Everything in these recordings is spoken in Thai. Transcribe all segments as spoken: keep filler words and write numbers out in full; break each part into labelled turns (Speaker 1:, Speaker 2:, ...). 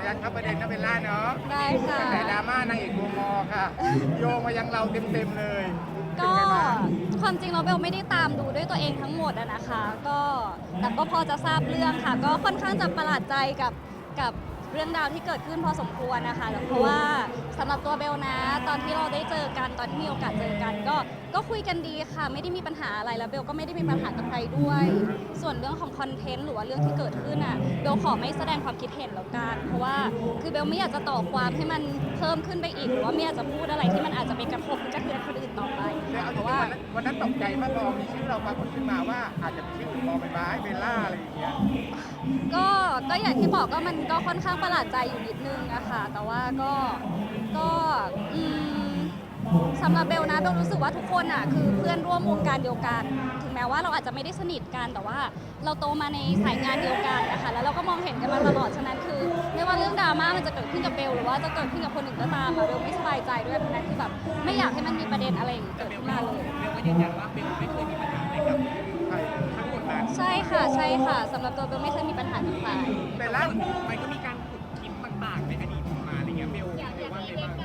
Speaker 1: ยันเข้าประเด็นนะเบลล่าเนาะ
Speaker 2: ได้ค่ะ
Speaker 1: แต่ดราม่านางเอกโมมอค่ะโยงมายังเราเต็มๆเลย
Speaker 2: ก็ความจริงเราเบลไม่ได้ตามดูด้วยตัวเองทั้งหมดอะนะคะ ก็แต่ก็พอจะทราบเรื่องค่ะ ก็ค่อนข้างจะประหลาดใจกับกับเรื่องราวที่เกิดขึ้นพอสมควรนะคะเพราะว่าสำหรับตัวเบลนะ ตอนที่เราได้เจอกันตอนที่มีโอกาสเจอกัน ก็ก็คุยกันดีค่ะ ไม่ได้มีปัญหาอะไรแล้วเบลก็ไม่ได้มีปัญหากับใครด้วย ส่วนเรื่องของคอนเทนต์หรือว่าเรื่องที่เกิดขึ้นอ่ะเบลขอไม่แสดงความคิดเห็นแล้วกันเพราะว่าคือเบลไม่อยากจะต่อความให้มันเพิ่มขึ้นไปอีกหรือว่าไม่อยากจะพูดอะไรที่มันอาจจะไปกระทบกระเทือนคนอื่นต่อไป
Speaker 1: แต่เอาจ
Speaker 2: เพ
Speaker 1: ริ
Speaker 2: ราะ
Speaker 1: งๆ
Speaker 2: ว่า
Speaker 1: วันนั้นวันนั้นตกใจมากพอมีชื่อเราปรากฏขึ้นมาว่าอาจจะเป็นชื่อของบอใบไม้เบลล่าอะไรอย่างเงี้ย
Speaker 2: ก็ก็อย่างที่บอกก็มันก็ค่อนข้างประหลาดใจอยู่นิดนึงอะค่ะแต่ว่าก็ก็อืมสำหรับเบลนะเบลรู้สึกว่าทุกคนอะคือเพื่อนร่วมวงการเดียวกันถึงแม้ว่าเราอาจจะไม่ได้สนิทกันแต่ว่าเราโตมาในสายงานเดียวกันนะคะแล้วเราก็มองเห็นกันมาตลอดฉะนั้นคือไม่ว่าเรื่องดราม่ามันจะเกิดขึ้นกับเบลหรือว่าจะเกิดขึ้นกับคนอื่นก็ตามอะเบลไม่สบายใจด้วยเพราะฉะนั้นคือแบบไม่อยากให้มันมีประเด็นอะไรอย่างนี้เกิดขึ้นมาเลย
Speaker 3: เบลก็ยืนยันว่าเบลไม่เคยมีปัญหาอะไรกับใครทั้งหมดนั้น
Speaker 2: ใช่ค่ะใช่ค่ะสำหรับตัวเบลไม่เคยมีปัญหากับใคร
Speaker 1: เบลล่า
Speaker 3: มันก็มีการขุดคลิปต่างๆในอดีตมาอะไรเงี้ยเบลเบลว่าไงบ้าง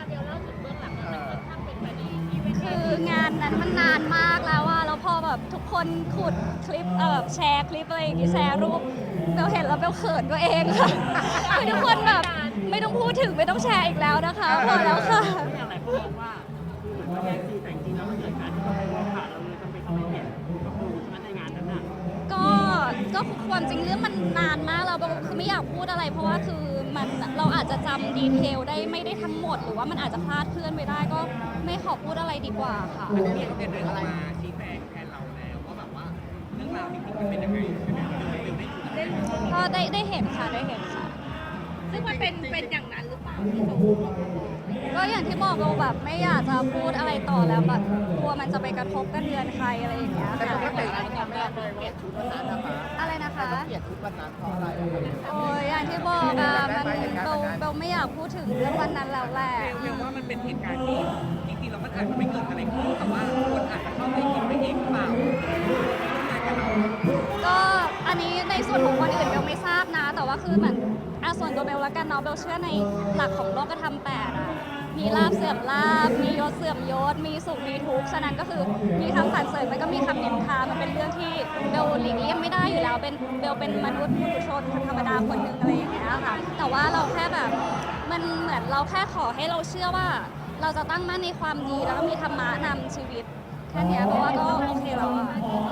Speaker 2: คืองานนั้นมันนานมากแล้วอะแล้วพอแบบทุกคนขุดคลิปเออแชร์คลิปอะไรอย่างงี้แชร์รูปเบลเห็นแล้วเบลเขินตัวเองค่ะคือทุกคนแบบไม่ต้องพูดถึงไม่ต้องแชร์อีกแล้วนะคะพอแล้วค่ะ
Speaker 3: อย่างไรเขาบอกว่าคือเหมือนว่าแย่งซีนแต่จริงๆแล้วมันเกิดการที่เราไปว่าผ่านเราเลยจำเป็นต้องไปเห็นกับดูใช่ไหมในงานนั้นน่ะ
Speaker 2: ก็ก็ความจริงเรื่องมันนานมากแล้วเบลคือไม่อยากพูดอะไร เพราะว่าคือมันเราอาจจะจำดีเทลได้ไม่ได้ทั้งหมด หรือว่ามันอาจจะคลาดเคลื่อนไปได้ก็ไม่ขอพูดอะไรดีกว่าค่ะ
Speaker 3: อันนี้เขาเป็นเรื่องอะไรมาชี้แจงแทนเราแล้วว่าแบบว่าเรื่องราวจริงๆมันเป็นยังไงใช่ไหมเบลได้ดู
Speaker 2: ก็ได้ได้เห็นค่ะได้เห็นค่ะ
Speaker 4: ซึ่งมันเป็นเป็นอย่างนั้นหรือเปล่าที่เขา
Speaker 2: ก็อย่างที่บอกเราแบบไม่อยากจะพูดอะไรต่อแล้วแบบกลัวมันจะไปกระทบกระเทือนใครอะไรอย่างเงี้ย
Speaker 1: แต่
Speaker 2: ค่ะ
Speaker 1: ปกติเราไม่ได้เลยว่าชุดวันนั้นนะคะ
Speaker 2: อะไรนะคะ
Speaker 1: เกลียดชุดวันนั้นเพราะอะไรอะครับ
Speaker 2: โอ้ยอย่างที่บอกอะมันเบลเบลไม่อยากพูดถึงเรื่องวันนั้นแล้วแหละ
Speaker 3: เบลว่ามันเป็นเหตุการณ์ที่จริงๆแล้วมันอาจจะไม่เกิดอะไรขึ้นแต่ว่าคนอาจจะเข้าใจผิดไปเองหรือเปล่าร่วมงานกับเรา
Speaker 2: ก็อันนี้ในส่วนของคนอื่นเบลไม่ทราบนะ แต่ว่าคือเหมือนอ่ะส่วนตัวเบลละกันเนาะเบลเชื่อในหลักของโลกธรรมแปดอะมีลาบเสื่อมลาบมียศเสื่อมยศมีสุขมีทุกข์ฉะนั้นก็คือมีคำสรรเสริญมันก็มีคำนินทามันเป็นเรื่องที่เบลหลีกเลี่ยงไม่ได้อยู่แล้วเป็นเบลเป็นมนุษย์ปุถุชนคนธรรมดาคนหนึ่งอะไรอย่างเงี้ยค่ะแต่ว่าเราแค่แบบมันเหมือนเราแค่ขอให้เราเชื่อว่า เราจะตั้งมั่นในความดีแล้วก็มีธรรมะนำชีวิตแค่เนี้ยเพราะว่าก็โอเคแล้วอะ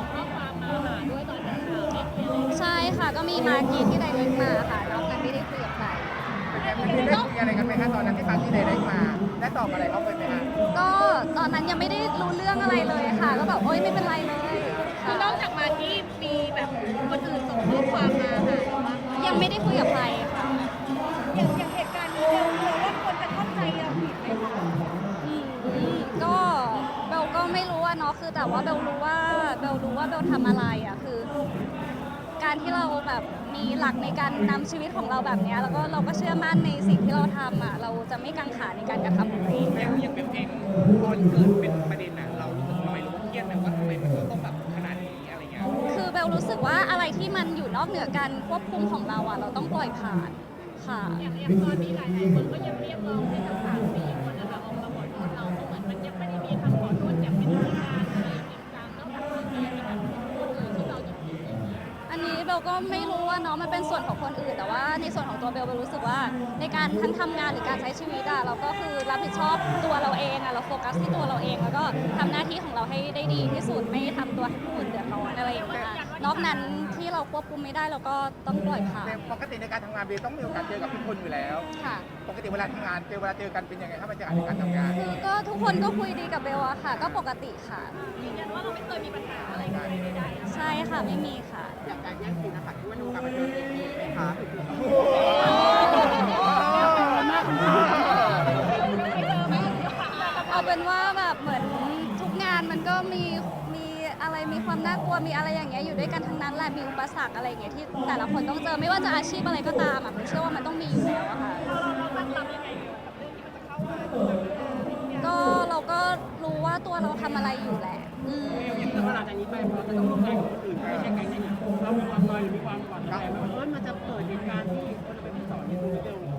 Speaker 2: ใช่ค่ะก็มีมากีที่ไดเรกมาค่ะนอกนั้นไม่ได้คุยกับใคร
Speaker 1: เป็นไงมันมีได้คุยอะไรกันไหมคะตอนนั้นที่ฟังที่เดย์ได้มาได้ตอบอะไรเขาไปไหมคะ
Speaker 2: ก็ตอนนั้นยังไม่ได้รู้เรื่องอะไรเลยค่ะ ก็แบบโอ๊ยไม่เป็นไรเลย
Speaker 4: คือนอกจากมาที่มีแบบคนอื่นส่งข้อความมาหาเราบ้างไหม
Speaker 2: ยังไม่ได้คุยกับใครค่ะ
Speaker 4: อย่างอย่างเหตุการณ์นี้เบลกลัวว่าคนจะเข้าใจเราผิดไหมคะ
Speaker 2: อืมก็เบลก็ไม่รู้อะเนาะคือแต่ว่าเบลรู้ว่าเบลรู้ว่าเบลทำอะไรอะคือ การที่เราแบบมีหลักในการนำชีวิตของเราแบบเนี้ยแล้วก็เราก็เชื่อมั่นในสิ่งที่เราทำอะเราจะไม่กังขาในการกระทำของตัวเอง
Speaker 3: อย่างอย่างเบลเองตอนเกิดเป็นประเด็นน่ะเรารู้สึกทำไมรู้ว่าเครียดไหมว่าทำไมมันต้องแบบขนาดนี้อะไรเงี้ย
Speaker 2: คือเบลรู้สึกว่าอะไรที่มันอยู่นอกเหนือการควบคุมของเราอะเราต้องปล่อยผ่านค่ะ
Speaker 4: อย่างอย่างตอนนี้หลายๆคนก็ยังเรียกร้องให้ทั้งสามสี่คนนะคะออกมาขอโทษเราเพราะเหมือนมันยังไม่ได้มีคำขอโทษอย่างเป็นทางการอะไรจริงจังนอกจากเรื่องนี้เป็นแบบคนอื่นที่เราจะผิด
Speaker 2: อันนี้เบลก็ไม่รู้ว่าเนาะมันเป็นส่วนของคนอื่นแต่ว่าในส่วนของตัวเบลเบลรู้สึกว่าในการทั้งทำงานหรือการใช้ชีวิตอะเราก็คือรับผิดชอบตัวเราเองอะเราโฟกัสที่ตัวเราเองแล้วก็ทำหน้าที่ของเราให้ได้ดีที่สุดไม่ทำตัวให้ผู้อื่นเดือดร้อนอะไรอย่างเงี้ยนอกนั้นที่เราควบคุมไม่ได้เราก็ต้องปล่อยผ่าน
Speaker 1: แต่ปกติในการทำงานเบลต้องมีโอกาสเจอกับทุกคนอยู่แล้ว
Speaker 2: ค่ะ
Speaker 1: ปกติเวลาทำงานเจอเวลาเจอกันเป็นยังไงครับบรรยากาศในการทำงาน
Speaker 2: คือก็ทุกคนก็คุยดีกับเบลอะค่ะ ก็ปกติค่ะ
Speaker 4: ยืนยันว่าเราไม่เคยมีปัญหาอะไรกันใดๆ
Speaker 2: ใช่ค่ะไม่มีค่ะ
Speaker 1: อย่างการแย่งซีนนะคะที่ว่าดูการบันเทิงมีไหมคะ
Speaker 2: เอาเป็นว่าแบบเหมือนทุกงานมันก็มีมีอะไรมีความน่ากลัวมีอะไรอย่างเงี้ยอยู่ด้วยกันทั้งนั้นแหละมีอุปสรรคอะไรอย่างเงี้ยที่แต่ละคนต้องเจอไม่ว่าจะอาชีพอะไรก็ตามอ่ะผมเชื่อว่ามันต้องมีอยู่แล้วอะค่ะก็เราก็รู้ว่าตัวเราทำอะไรอยู่แหละอืม
Speaker 3: อย่างเวลาจากนี้ไปเราจะต้องร่วมงานกับคนอื่นไม่ใช่แก๊งนี้เรามีความนอยหรือมีความหวั่นใจไหมว่าเออมันจะเกิดเหตุการณ์ที่คนจะไปที่สอนเนี่ยดูเร็ว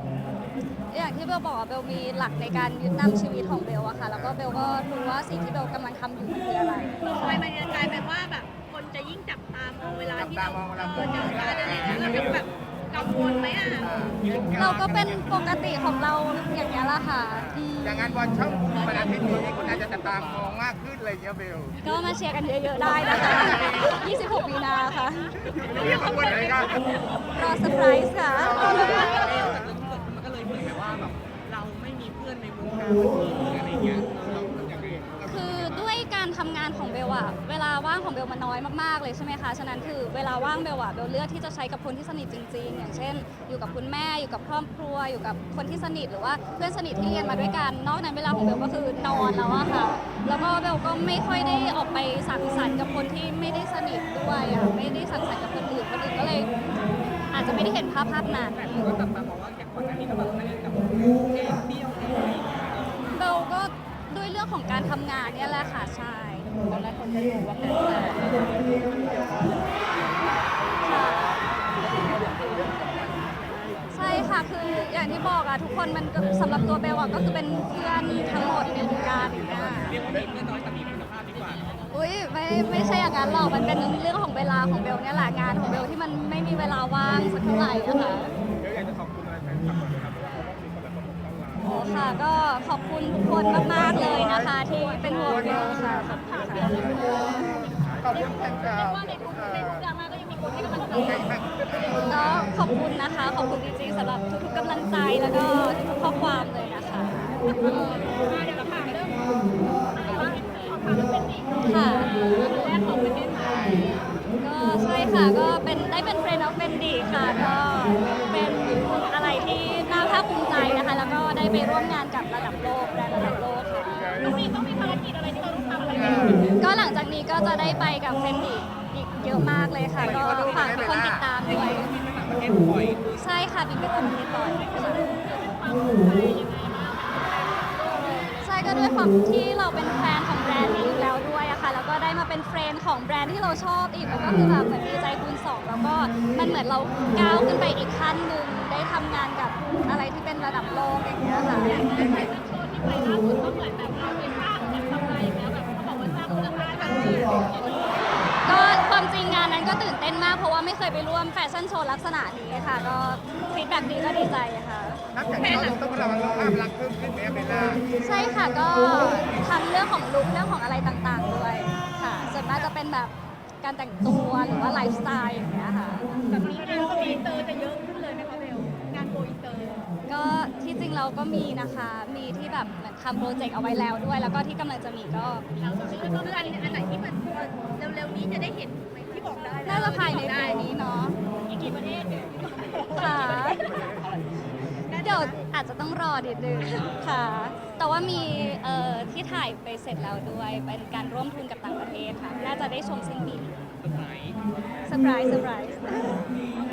Speaker 2: อย่างที่เบลบอกอะเบลมีหลักในการยึดนำชีวิตของเบลอะค่ะ แล้วก็เบลก็รู้ว่าสิ่งที่เบลกำลังทำอยู่มันคืออะไร
Speaker 4: ทำไมมันจะกลายเป็นว่าแบบคนจะยิ่งจับตามองเวลาที่เรา
Speaker 1: จับตามองเวลา
Speaker 4: เออเจอการอะไรอย่างเงี้ยเราเป็นแบบกังวลไหมอ่ะ
Speaker 2: เราก็เป็นปกติของเราอย่างนี้ยแหละค่ะอืม
Speaker 1: อย่างนั้นวันช่องวันอาทิตย์นี้คนอาจจะจับตามองมากขึ้นอะไรอย่างเงี้ยเบล
Speaker 2: ก็มาเชียร์กันเยอะๆได้นะคะ ยี่สิบหก มีนาค่ะ
Speaker 1: เรียกขบวนอะไรกัน
Speaker 2: รอเซอร์ไพรส์ค่ะ
Speaker 3: มันก็เลยเหมือนแบบว่าแบบเราไม่มีเพื่อนในวงการบันเทิงหรืออะไรอย่างเงี้ยเราเราอย่างนี้
Speaker 2: คือด้วยการทำงานของเบลอะเวลาว่างของเบลมันน้อยมากๆเลยใช่ไหมคะ ฉะนั้นคือเวลาว่างเบลอะเบลเลือกที่จะใช้กับคนที่สนิทจริงๆ อย่างเช่น อยู่กับคุณแม่ อยู่กับครอบครัว อยู่กับคนที่สนิทหรือว่าเพื่อนสนิทที่เรียนมาด้วยกัน นอกนั้นเวลาของเบลก็คือนอนแล้วอะค่ะ แล้วก็เบลก็ไม่ค่อยได้ออกไปสังสรรค์กับคนที่ไม่ได้สนิทด้วยอะไม่ได้สังสรรค์กับคนอื่น คนอื่นก็เลยอาจจะไม่ได้เห็นภาพภาพนั้น
Speaker 3: แต่ก็แบบมาบอกว่าอย่างก่อนหน้านี้ก็แบบไม่ได้กับเองเที่ยวเองอะไรอย่างเงี้ย
Speaker 2: เบลก็ด้วยเรื่องของการทำงานเนี่ยแหละค่ะใช่ตอนแรกคนจะรู้ว่าเป็นงานใช่ค่ะคืออย่างที่บอกอะทุกคนมันก็สำหรับตัวเบลอะก็คือเป็นเพื่อนทั้งหมดในวงการอย่างเงี้ย
Speaker 3: เรียกว่ามีเพื่อนน้อยแต่มีคุณภาพดีกว่าเนอะ
Speaker 2: อุ้ยไม่ไม่ใช่อย่างนั้นหรอกมันเป็นเรื่องของเวลาของเบลเนี่ยแหละงานของเบลที่มันไม่มีเวลาว่างสักเท่าไหร่อะค่ะ
Speaker 1: เบลอยากจะขอบคุณอะไรแฟนคลับก่อนนะครับเพราะว่าเขาต้องมีคนแบบประกบข้างหลัง
Speaker 2: โอ้ค่ะก็ขอบคุณทุกคนมากๆเลยนะคะ ที่เป็นห่วงเบลค่ะขอบคุณค่ะ
Speaker 1: ขอบคุณแฟนคลับ
Speaker 4: ว่าในทุกในทุกดราม่าก็ยังมีคนให้กำลังใจ
Speaker 2: ก็ขอบคุณนะคะ ขอบคุณจริงๆสำหรับทุกๆกำลังใจแล้วก็ทุกๆข้อความเลยนะคะ
Speaker 4: เดี๋ยวเราถามเรื่องอะไรว่าเขาทำเป็นอีก
Speaker 2: ค่ะ
Speaker 4: แรกของประเทศไทย
Speaker 2: ก็ใช่ค่ะก็เป็นได้เป็น Friend of Fendi ค่ะก็เป็นอะไรที่น่าภาคภูมิใจนะคะ แล้วก็ได้ไปร่วมงานกับระดับโลกแบรนด์ระดับโลกค่ะ
Speaker 4: ต้องมีต้องมีภารกิจอะไรที่เราต้องทำอะไรกัน
Speaker 2: ก็หลังจากนี้ก็จะได้ไปกับ Fendi อีกเยอะมากเลยค่ะ ก็ฝากทุกคนติดตามด้วย
Speaker 3: มีไปต่างประเทศบ่อย
Speaker 2: ใช่ค่ะบินไปต่างประเทศบ่อยค่ะใช่ก็ด้วยความที่เราเป็นแฟนของแบรนด์นี้อยู่แล้วด้วยอะค่ะแล้วก็ได้มาเป็นเฟรนด์ของแบรนด์ที่เราชอบอีกมันก็คือแบบเหมือนดีใจคูณสองแล้วก็มันเหมือนเราก้าวขึ้นไปอีกขั้นหนึ่งได้ทำงานกับอะไรที่เป็นระดับโลกอย่างเงี้ยค่ะ
Speaker 4: ไปตั้งโชว์ที่ไปล่าสุดก็เหมือนแบบเราไปสร้างแบบทำอะไรแล้วแบบเขาบอกว่าสร้างมูลค่าทางเงิน
Speaker 2: ก็ความจริงงานนั้นก็ตื่นเต้นมากเพราะว่าไม่เคยไปร่วมแฟชั่นโชว์ลักษณะนี้ค่ะ ก็ฟีดแบ็กดีก็ดีใจค่ะ
Speaker 1: นับจากนี้เราต้องระวังภาพลักษณ์เพิ่มขึ้นไหมเบลล่า
Speaker 2: ใช่ค่ะก็ทั้งเรื่องของลุคเรื่องของอะไรต่างๆด้วยค่ะส่วนมากจะเป็นแบบการแต่งตัวหรือว่าไลฟ์สไตล์อย่างเงี้ยค่ะ
Speaker 4: แบบนี้งานโกอินเตอร์จะเยอะขึ้นเลยไหมคะเบลงานโกอินเตอร์
Speaker 2: ก็ที่จริงเราก็มีนะคะ มีที่แบบเหมือนทำโปรเจกต์เอาไว้แล้วด้วย แล้วก็ที่กำลังจะมีก็
Speaker 4: เราจะซื้อก็คืออันอันไหนที่มันเร็วๆนี้จะได้เห็นไหมที่บอกได้
Speaker 2: น่าจะภายในปีนี้เนาะ
Speaker 4: อีกกี่ประเทศ
Speaker 2: ค่ะเดี๋ยวอาจจะต้องรอดิดนึงค่ะ แต่ว่ามีเอ่อที่ถ่ายไปเสร็จแล้วด้วย เป็นการร่วมทุนกับต่างประเทศค่ะ น่าจะได้ชมสิ้นปีนี้
Speaker 3: ๆสไตล์
Speaker 2: เซอร์ไพรส์เซอร์ไพรส์